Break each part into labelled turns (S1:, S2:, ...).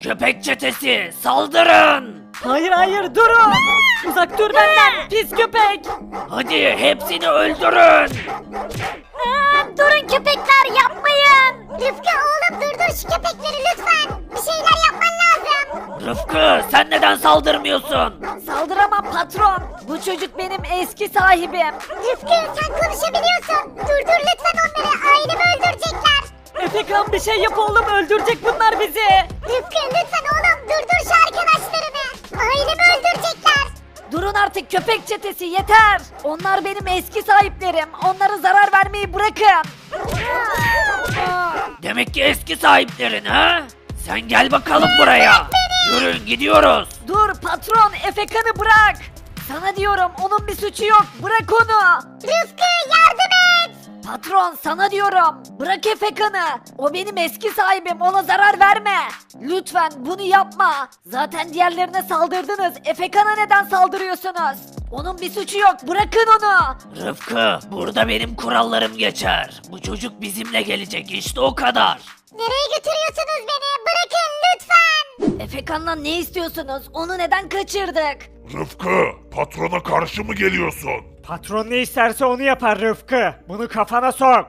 S1: Köpek çetesi saldırın.
S2: Hayır hayır durun. Uzak dur benden pis köpek.
S1: Hadi hepsini öldürün.
S3: Durun köpekler yapmayın. Rıfkı oğlum durdur şu köpekleri lütfen. Bir şeyler yapman lazım.
S1: Rıfkı sen neden saldırmıyorsun?
S2: Saldıramam patron. Bu çocuk benim eski sahibim.
S3: Rıfkı sen konuşabiliyorsun. Durdur lütfen onları ailemi öldürecekler.
S2: Efekan bir şey yap oğlum öldürecek bunlar bizi.
S3: Rıfkı lütfen oğlum durdur şu arkadaşlarını. Ailemi öldürecekler.
S2: Durun artık köpek çetesi yeter. Onlar benim eski sahiplerim. Onlara zarar vermeyi bırakın.
S1: Demek ki eski sahiplerin ha? Sen gel bakalım buraya. Yürüyün gidiyoruz.
S2: Dur patron Efekan'ı bırak. Sana diyorum onun bir suçu yok. Bırak onu.
S3: Rıfkı yardım et.
S2: Patron sana diyorum. Bırak Efekan'ı. O benim eski sahibim. Ona zarar verme. Lütfen bunu yapma. Zaten diğerlerine saldırdınız. Efekan'a neden saldırıyorsunuz? Onun bir suçu yok. Bırakın onu.
S1: Rıfkı burada benim kurallarım geçer. Bu çocuk bizimle gelecek işte o kadar.
S3: Nereye götürüyorsunuz beni? Bırakın lütfen.
S2: Efekan'dan ne istiyorsunuz? Onu neden kaçırdık?
S4: Rıfkı, patrona karşı mı geliyorsun?
S5: Patron ne isterse onu yapar Rıfkı. Bunu kafana sok.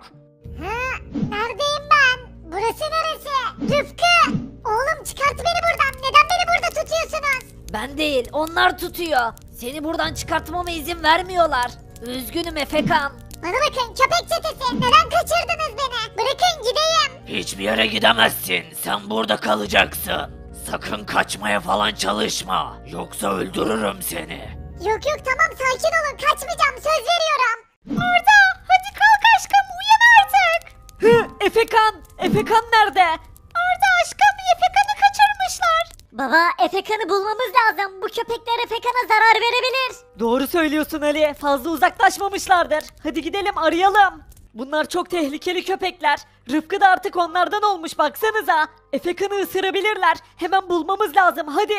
S3: Neredeyim ben? Burası neresi? Rıfkı! Oğlum çıkart beni buradan. Neden beni burada tutuyorsunuz?
S2: Ben değil. Onlar tutuyor. Seni buradan çıkartmama izin vermiyorlar. Üzgünüm Efekan.
S3: Bana bakın köpek çetesi. Neden kaçırdınız beni? Bırakın gideyim.
S1: Hiçbir yere gidemezsin. Sen burada kalacaksın. Sakın kaçmaya falan çalışma. Yoksa öldürürüm seni.
S3: Yok yok tamam sakin olun. Kaçmayacağım söz veriyorum. Arda hadi kalk aşkım uyan artık.
S2: Hı, Efekan! Efekan nerede?
S3: Arda aşkım Efekan'ı kaçırmışlar. Baba Efekan'ı bulmamız lazım. Bu köpekler Efekan'a zarar verebilir.
S2: Doğru söylüyorsun Ali. Fazla uzaklaşmamışlardır. Hadi gidelim arayalım. Bunlar çok tehlikeli köpekler. Rıfkı da artık onlardan olmuş baksanıza. Efekan'ı ısırabilirler. Hemen bulmamız lazım hadi.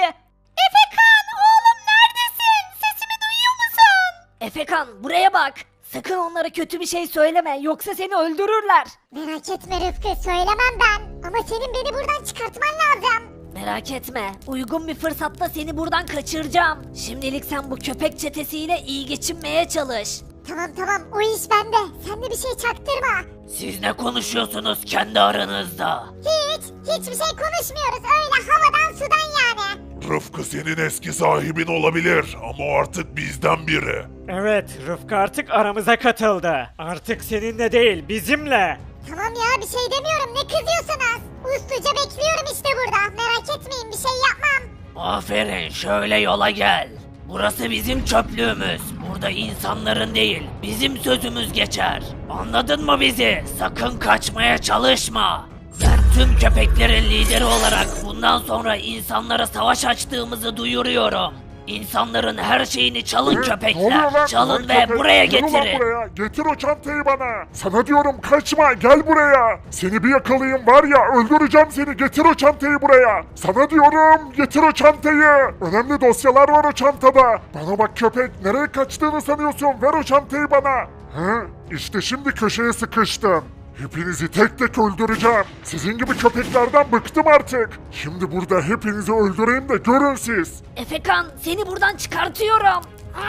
S3: Efekan oğlum neredesin? Sesimi duyuyor musun?
S2: Efekan buraya bak. Sakın onlara kötü bir şey söyleme yoksa seni öldürürler.
S3: Merak etme Rıfkı söylemem ben. Ama senin beni buradan çıkartman lazım.
S2: Merak etme. Uygun bir fırsatta seni buradan kaçıracağım. Şimdilik sen bu köpek çetesiyle iyi geçinmeye çalış.
S3: Tamam tamam o iş bende. Sen de bir şey çaktırma.
S1: Siz ne konuşuyorsunuz kendi aranızda?
S3: Hiçbir şey konuşmuyoruz. Öyle havadan sudan yani.
S4: Rıfkı senin eski sahibin olabilir ama o artık bizden biri.
S5: Evet, Rıfkı artık aramıza katıldı. Artık seninle değil, bizimle.
S3: Tamam ya bir şey demiyorum. Ne kızıyorsunuz? Usluca bekliyorum işte burada. Merak etmeyin bir şey yapmam.
S1: Aferin şöyle yola gel. Burası bizim çöplüğümüz. Burada insanların değil, bizim sözümüz geçer. Anladın mı bizi? Sakın kaçmaya çalışma. Ben tüm köpeklerin lideri olarak bundan sonra insanlara savaş açtığımızı duyuruyorum. İnsanların her şeyini çalın
S4: Ne oluyor
S1: köpekler.
S4: lan?
S1: Çalın
S4: Lan
S1: ve
S4: köpek,
S1: buraya
S4: yürü lan
S1: getirin.
S4: buraya. Getir o çantayı bana. Sana diyorum kaçma gel buraya. Seni bir yakalayayım var ya öldüreceğim seni. Getir o çantayı buraya. Sana diyorum getir o çantayı. Önemli dosyalar var o çantada. Bana bak köpek nereye kaçtığını sanıyorsun? Ver o çantayı bana. He? İşte şimdi köşeye sıkıştım. Hepinizi tek tek öldüreceğim. Sizin gibi köpeklerden bıktım artık. Şimdi burada hepinizi öldüreyim de görün siz.
S2: Efekan seni buradan çıkartıyorum.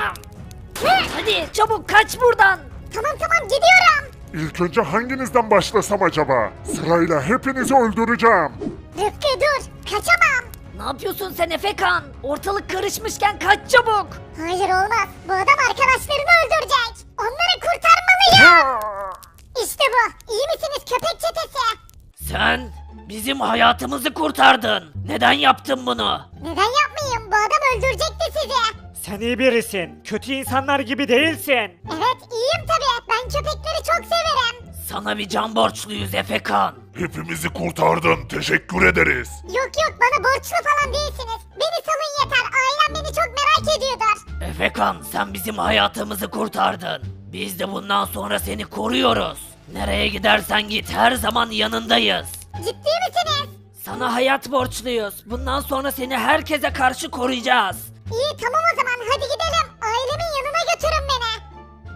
S2: Hadi çabuk kaç buradan.
S3: Tamam tamam gidiyorum.
S4: İlk önce hanginizden başlasam acaba? Sırayla hepinizi öldüreceğim.
S3: Rıfkı dur. Kaçamam.
S2: Ne yapıyorsun sen Efekan? Ortalık karışmışken kaç çabuk.
S3: Hayır olmaz. Bu adam arkadaşlarını öldürecek. Onları kurtarmalıyım. İşte bu. İyi misiniz köpek çetesi?
S1: Sen bizim hayatımızı kurtardın. Neden yaptın bunu?
S3: Neden yapmayayım? Bu adam öldürecekti sizi.
S5: Sen iyi birisin, kötü insanlar gibi değilsin.
S3: Evet iyiyim tabii. Ben köpekleri çok severim.
S1: Sana bir can borçluyuz Efekan.
S4: Hepimizi kurtardın. Teşekkür ederiz.
S3: Yok yok bana borçlu falan değilsiniz. Beni salın yeter. Ailem beni çok merak ediyordur.
S1: Efekan sen bizim hayatımızı kurtardın. Biz de bundan sonra seni koruyoruz. Nereye gidersen git her zaman yanındayız.
S3: Ciddi misiniz?
S2: Sana hayat borçluyuz. Bundan sonra seni herkese karşı koruyacağız.
S3: İyi tamam o zaman hadi gidelim. Ailemin yanına götürün beni.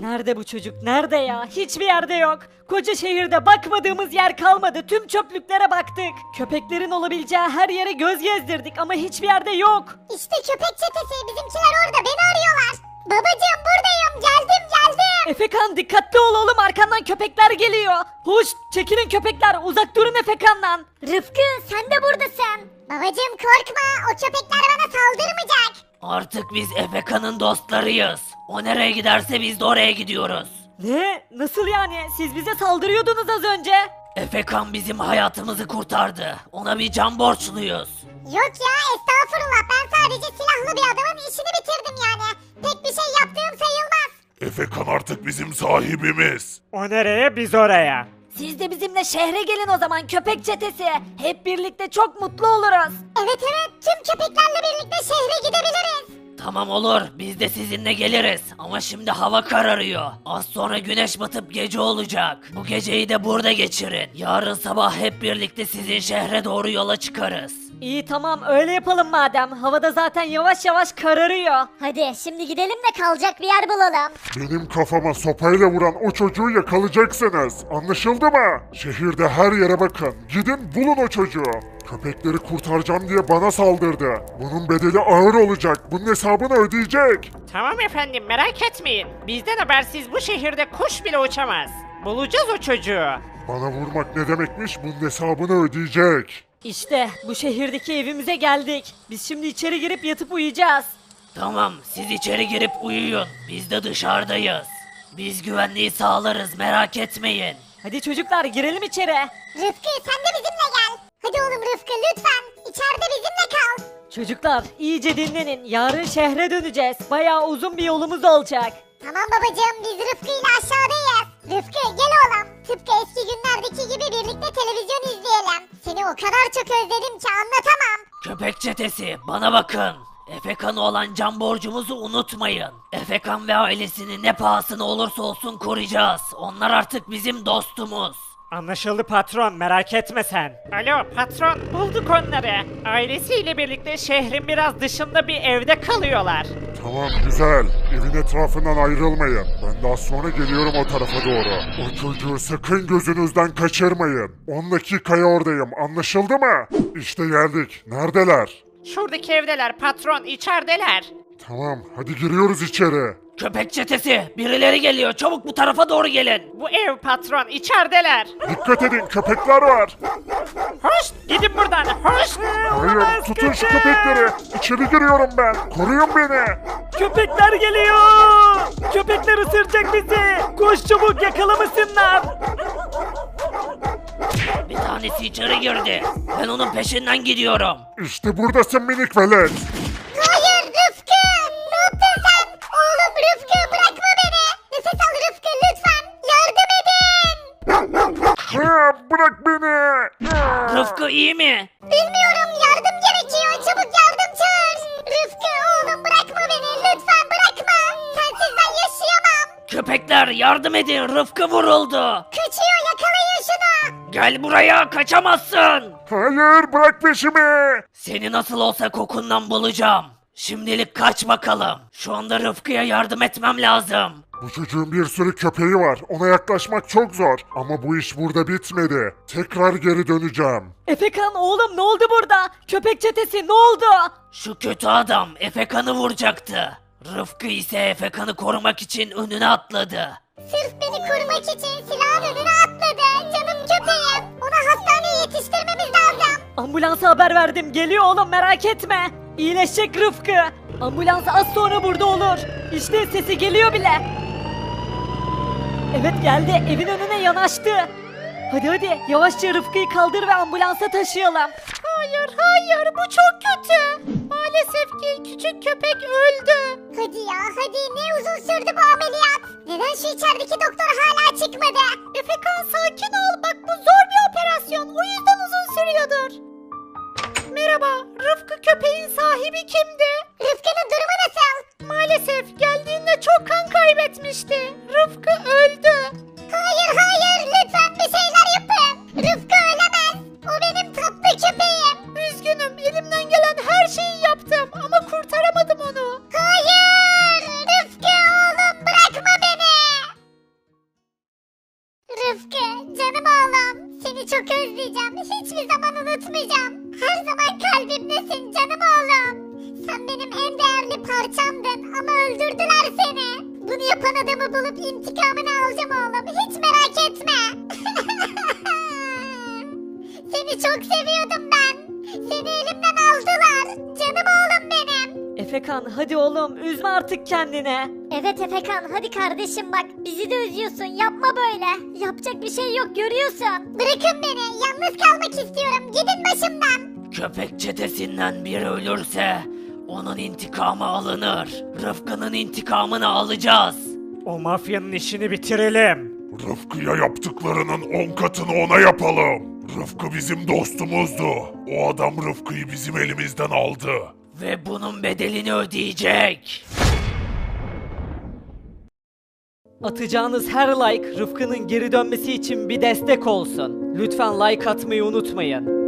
S2: Nerede bu çocuk? Nerede ya? Hiçbir yerde yok. Koca şehirde bakmadığımız yer kalmadı. Tüm çöplüklere baktık. Köpeklerin olabileceği her yere göz gezdirdik ama hiçbir yerde yok.
S3: İşte köpek çetesi, bizimkiler orada, beni arıyorlar. Babacığım buradayım, geldim.
S2: Efekan dikkatli ol oğlum, arkandan köpekler geliyor. Hoş, çekilin köpekler, uzak durun Efekan'dan.
S3: Rıfkı sen de buradasın. Babacığım korkma, o köpekler bana saldırmayacak.
S1: Artık biz Efeka'nın dostlarıyız. O nereye giderse biz de oraya gidiyoruz.
S2: Ne? Nasıl yani? Siz bize saldırıyordunuz az önce.
S1: Efekan bizim hayatımızı kurtardı. Ona bir can borçluyuz.
S3: Yok ya, estağfurullah, ben sadece silahlı bir adamın işini bitirdim yani. Pek bir şey yaptığım sayılmaz.
S4: Efekan artık bizim sahibimiz.
S5: O nereye biz oraya.
S2: Siz de bizimle şehre gelin o zaman köpek çetesi. Hep birlikte çok mutlu oluruz.
S3: Evet, tüm köpeklerle birlikte şehre gidebiliriz.
S1: Tamam olur, biz de sizinle geliriz. Ama şimdi hava kararıyor. Az sonra güneş batıp gece olacak. Bu geceyi de burada geçirin. Yarın sabah hep birlikte sizin şehre doğru yola çıkarız.
S2: İyi tamam, öyle yapalım madem. Havada zaten yavaş yavaş kararıyor.
S3: Hadi şimdi gidelim de kalacak bir yer bulalım.
S4: Benim kafama sopayla vuran o çocuğu yakalayacaksınız. Anlaşıldı mı? Şehirde her yere bakın. Gidin bulun o çocuğu. Köpekleri kurtaracağım diye bana saldırdı. Bunun bedeli ağır olacak. Bunun hesabını ödeyecek.
S5: Tamam efendim, merak etmeyin. Bizden habersiz bu şehirde kuş bile uçamaz. Bulacağız o çocuğu.
S4: Bana vurmak ne demekmiş? Bunun hesabını ödeyecek.
S2: İşte bu şehirdeki evimize geldik. Biz şimdi içeri girip yatıp uyuyacağız.
S1: Tamam, siz içeri girip uyuyun. Biz de dışarıdayız. Biz güvenliği sağlarız, merak etmeyin.
S2: Hadi çocuklar girelim içeri.
S3: Rıfkı sen de bizimle gel. Hadi oğlum Rıfkı lütfen, içeride bizimle kal.
S2: Çocuklar iyice dinlenin. Yarın şehre döneceğiz. Bayağı uzun bir yolumuz olacak.
S3: Tamam babacığım, biz Rıfkı ile aşağıdayız. Rıfkı gel oğlum. Tıpkı eski günlerdeki gibi birlikte televizyon izleyelim. Seni o kadar çok özledim ki anlatamam.
S1: Köpek çetesi, bana bakın. Efekan'a olan can borcumuzu unutmayın. Efekan ve ailesini ne pahasına olursa olsun koruyacağız. Onlar artık bizim dostumuz.
S5: Anlaşıldı patron, merak etme sen. Alo patron, bulduk onları. Ailesiyle birlikte şehrin biraz dışında bir evde kalıyorlar.
S4: Tamam güzel. Evin etrafından ayrılmayın. Ben daha sonra geliyorum o tarafa doğru. O çocuğu sakın gözünüzden kaçırmayın. 10 dakikaya oradayım. Anlaşıldı mı? İşte geldik. Neredeler?
S5: Şuradaki evdeler patron, içerideler.
S4: Tamam hadi giriyoruz içeri.
S1: Köpek çetesi, birileri geliyor. Çabuk bu tarafa doğru gelin.
S5: Bu ev patron, içerideler.
S4: Dikkat edin köpekler var.
S5: Hoş, gidin buradan, hoş.
S4: Hayır tutun şu köpekleri. İçeri giriyorum ben. Koruyun beni.
S2: Köpekler geliyor. Köpekler ısıracak bizi. Koş çabuk, yakalamasınlar.
S1: Bir tanesi içeri girdi. Ben onun peşinden gidiyorum.
S4: İşte buradasın minik velet.
S3: Hayır Rıfkı, ne yaptın sen? Oğlum Rıfkı bırakma beni. Nefes al Rıfkı lütfen, yardım edin.
S4: Ha, bırak beni.
S1: Rıfkı iyi mi?
S3: Bilmiyorum, yardım gerekiyor, çabuk yardım çağır. Rıfkı oğlum bırakma beni, lütfen bırakma. Sensiz ben yaşayamam.
S1: Köpekler yardım edin. Rıfkı vuruldu.
S3: Kaçıyor, yakalayın şunu.
S1: Gel buraya, kaçamazsın.
S4: Hayır bırak peşimi.
S1: Seni nasıl olsa kokundan bulacağım. Şimdilik kaç bakalım. Şu anda Rıfkı'ya yardım etmem lazım.
S4: Bu çocuğun bir sürü köpeği var. Ona yaklaşmak çok zor. Ama bu iş burada bitmedi. Tekrar geri döneceğim.
S2: Efekan oğlum, ne oldu burada? Köpek çetesi ne oldu?
S1: Şu kötü adam Efekan'ı vuracaktı. Rıfkı ise Efekan'ı korumak için önüne atladı.
S3: Sırf beni korumak için silahın önüne atladı. Canım köpeğim. Onu hastaneye yetiştirmemiz lazım.
S2: Ambulansa haber verdim, geliyor oğlum, merak etme. İyileşecek Rıfkı. Ambulans az sonra burada olur. İşte sesi geliyor bile. Evet geldi, evin önüne yanaştı. Hadi yavaşça Rıfkı'yı kaldır ve ambulansa taşıyalım.
S3: Hayır bu çok kötü. Maalesef ki küçük köpek öldü. Hadi ya hadi, ne uzun sürdü bu ameliyat. Neden şu içerideki doktor hala çıkmadı? Efekan sakin ol, bak bu zor bir operasyon, o yüzden uzun sürüyordur. Merhaba, Rıfkı köpeğin sahibi kimdi? Rıfkı'nın durumu nasıl? Maalesef geldiğinde çok kan kaybetmişti. Rıfkı öldü. Hayır lütfen bir şeyler yapın. Rıfkı ölemez. O benim tatlı köpeğim. Üzgünüm, elimden gelen her şeyi yaptım ama kurtaramadım onu. Hayır Rıfkı oğlum, bırakma beni. yapan adamı bulup intikamını alacağım oğlum. Hiç merak etme. Seni çok seviyordum ben. Seni elimden aldılar. Canım oğlum benim.
S2: Efekan hadi oğlum üzme artık kendini.
S3: Evet Efekan hadi kardeşim bak bizi de üzüyorsun yapma böyle. Yapacak bir şey yok görüyorsun. Bırakın beni yalnız kalmak istiyorum gidin başımdan.
S1: Köpek çetesinden biri ölürse onun intikamı alınır. Rıfkı'nın intikamını alacağız.
S5: O mafyanın işini bitirelim.
S4: Rıfkı'ya yaptıklarının 10 katını ona yapalım. Rıfkı bizim dostumuzdu. O adam Rıfkı'yı bizim elimizden aldı.
S1: Ve bunun bedelini ödeyecek.
S2: Atacağınız her like Rıfkı'nın geri dönmesi için bir destek olsun. Lütfen like atmayı unutmayın.